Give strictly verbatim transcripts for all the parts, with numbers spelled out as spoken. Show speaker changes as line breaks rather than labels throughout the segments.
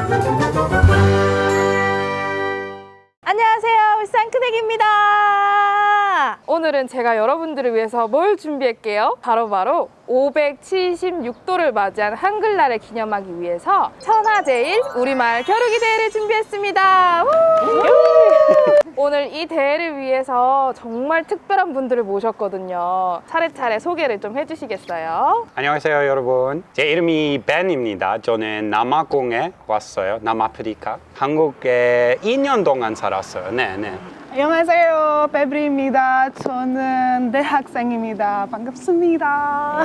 안녕하세요, 울산 큰애기입니다. 오늘은 제가 여러분들을 위해서 뭘 준비할게요? 바로바로 오백칠십육 도를 맞이한 한글날을 기념하기 위해서 천하제일 우리말 겨루기 대회를 준비했습니다. 우! 오늘 이 대회를 위해서 정말 특별한 분들을 모셨거든요. 차례차례 소개를 좀 해주시겠어요?
안녕하세요 여러분, 제 이름이 벤입니다. 저는 남아공에 왔어요. 남아프리카. 한국에 이 년 동안 살았어요. 네네.
안녕하세요, 베브리입니다. 저는 대학생입니다. 반갑습니다.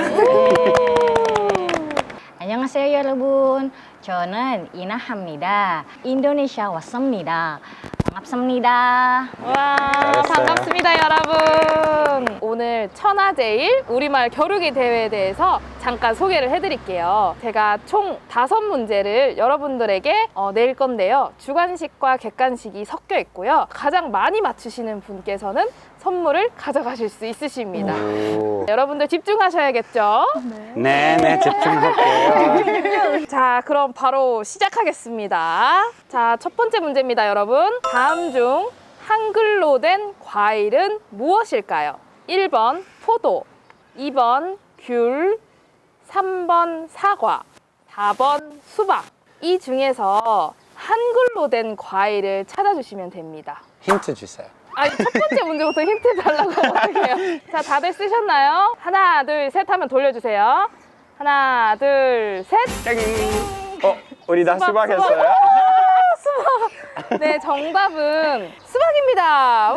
안녕하세요 여러분. 저는 이나합니다. 인도네시아 왔습니다. 반갑습니다.
와,
잘했어요.
반갑습니다, 여러분. 오늘 천하제일 우리말 겨루기 대회에 대해서 잠깐 소개를 해드릴게요. 제가 총 다섯 문제를 여러분들에게 어, 낼 건데요. 주관식과 객관식이 섞여 있고요. 가장 많이 맞추시는 분께서는 선물을 가져가실 수 있으십니다.
오.
여러분들 집중하셔야겠죠?
네네, 집중할게요.
자, 그럼 바로 시작하겠습니다. 자, 첫 번째 문제입니다, 여러분. 다음 중 한글로 된 과일은 무엇일까요? 일 번 포도, 이 번 귤, 삼 번 사과, 사 번 수박. 이 중에서 한글로 된 과일을 찾아주시면 됩니다.
힌트 주세요.
아니, 첫 번째 문제부터 힌트 달라고 하면 어떡해요? 자, 다들 쓰셨나요? 하나, 둘, 셋 하면 돌려주세요. 하나, 둘, 셋.
땡. 어, 우리 다
수박,
수박 했어요?
수박. 네, 정답은 수박입니다. 우!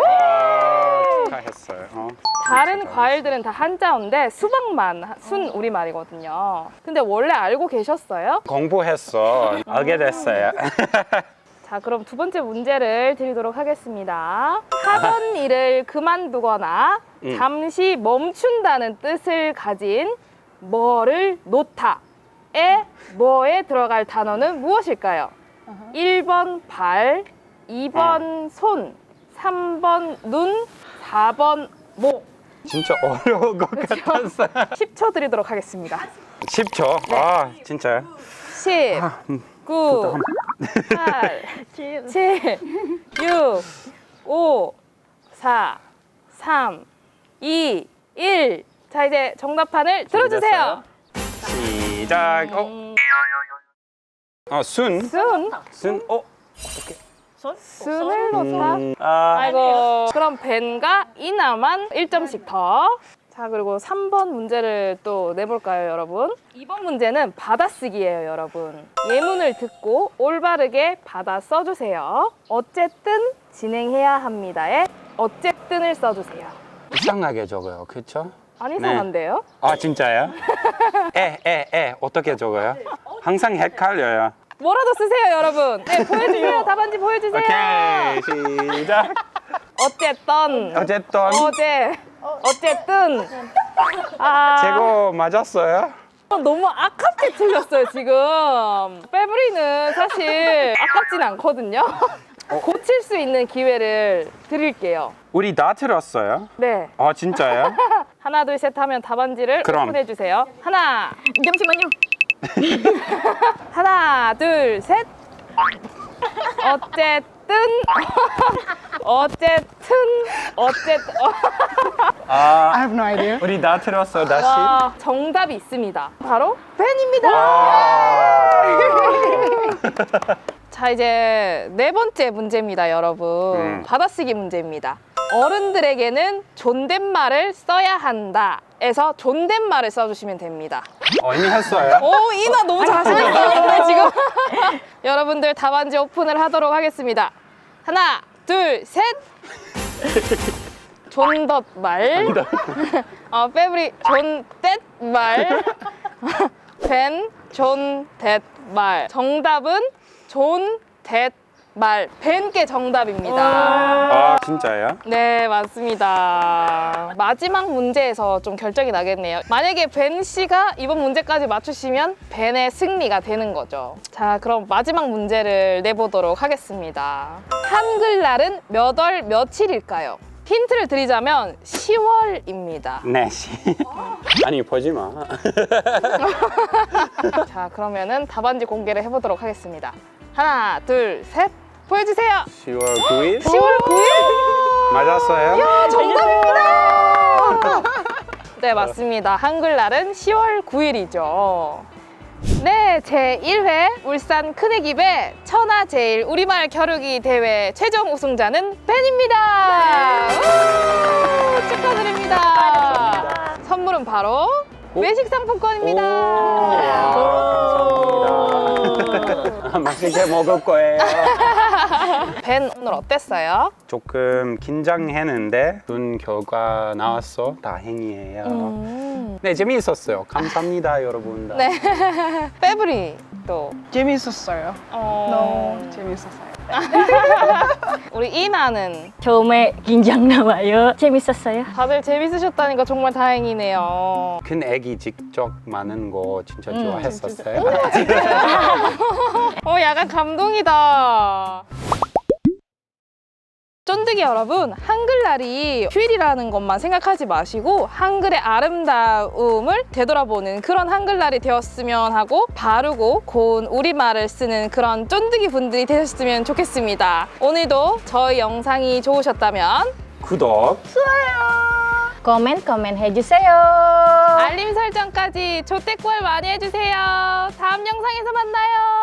축하했어요. 어.
다른 과일들은 다 한자어인데 수박만 순 우리말이거든요. 근데 원래 알고 계셨어요?
공부했어. 알게 됐어요.
자, 그럼 두 번째 문제를 드리도록 하겠습니다. 하던 일을 그만두거나
음.
잠시 멈춘다는 뜻을 가진 뭐를 놓다에 뭐에 들어갈 단어는 무엇일까요? 일 번 발, 이 번 손, 삼 번 눈, 사 번 목.
진짜 어려운 것 같았어요.
십 초 드리도록 하겠습니다.
십 초. 아, 진짜요?
십, 구, 팔, 칠, 육, 오, 사, 삼, 이, 일. 자, 이제 정답판을 들어주세요.
시작. 어, 어 순.
순,
순. 어.
순을 놓다.
음, 아,
아이고. 그럼 벤과 이나만 일 점씩 더. 자, 그리고 삼 번 문제를 또 내볼까요, 여러분? 이번 문제는 받아쓰기예요, 여러분. 예문을 듣고 올바르게 받아 써주세요. 어쨌든 진행해야 합니다에 어쨌든을 써주세요.
이상하게 적어요. 그렇죠?
안 이상한데요?
아, 진짜요? 에, 에, 에. 어떻게 적어요? 항상 헷갈려요.
뭐라도 쓰세요, 여러분. 네, 보여주세요. 답안지 보여주세요.
오케이, 시작.
어쨌든.
어쨌든
어제. 어쨌든. 아.
제거 맞았어요?
너무 아깝게 틀렸어요, 지금. 빼브리는 사실 아깝진 않거든요. 고칠 수 있는 기회를 드릴게요.
우리 다 틀었어요?
네.
아, 진짜요?
하나, 둘, 셋 하면 답안지를
그럼.
오픈해주세요. 하나,
잠시만요.
하나, 둘, 셋. 어쨌든. 어쨌든. 어쨌든.
I
아,
have no idea.
우리 다 틀었어, 다시.
와, 정답이 있습니다. 바로 벤입니다.
와.
자, 이제 네 번째 문제입니다, 여러분.
음.
받아쓰기 문제입니다. 어른들에게는 존댓말을 써야 한다. 에서 존댓말을 써주시면 됩니다.
어, 이미 했어요?
오, 이나 너무 자신있었는데 지금. 여러분들 답안지 오픈을 하도록 하겠습니다. 하나, 둘, 셋. 존덧말. 어, 빼브리 존댓말. 벤 존댓말. 정답은 존댓말. 벤께 정답입니다.
아, 진짜요?
네, 맞습니다. 마지막 문제에서 좀 결정이 나겠네요. 만약에 벤 씨가 이번 문제까지 맞추시면 벤의 승리가 되는 거죠. 자, 그럼 마지막 문제를 내보도록 하겠습니다. 한글날은 몇 월 며칠일까요? 힌트를 드리자면 시월입니다.
네, 씨. 아니, 보지 마.
자, 그러면은 답안지 공개를 해보도록 하겠습니다. 하나, 둘, 셋. 보여주세요.
시월 구일?
시월 구일.
맞았어요?
정답입니다. 네, 맞습니다. 한글날은 시월 구일이죠. 네, 제일 회 울산 큰애기배 천하제일 우리말 겨루기 대회 최종 우승자는 벤입니다. 우, 축하드립니다. 선물은 바로 외식 상품권입니다.
감사합니다. 맛있게 먹을 거예요.
벤 오늘 어땠어요?
조금 긴장했는데 좋은 결과 나왔어. 다행이에요.
음.
네, 재미있었어요. 감사합니다, 여러분.
네. 페브리 또
재밌었어요.
어...
너무 재밌었어요.
우리 이나는
처음에 긴장 나와요. 재밌었어요.
다들 재밌으셨다니까 정말 다행이네요.
큰 애기 직접 많은 거 진짜
음,
좋아했었어요.
어, 약간 감동이다. 쫀득이 여러분, 한글날이 휴일이라는 것만 생각하지 마시고 한글의 아름다움을 되돌아보는 그런 한글날이 되었으면 하고 바르고 고운 우리말을 쓰는 그런 쫀득이 분들이 되셨으면 좋겠습니다. 오늘도 저희 영상이 좋으셨다면
구독,
Komen komen 해주세요.
알림 설정까지 조태꿀 많이 해주세요. 다음 영상에서 만나요.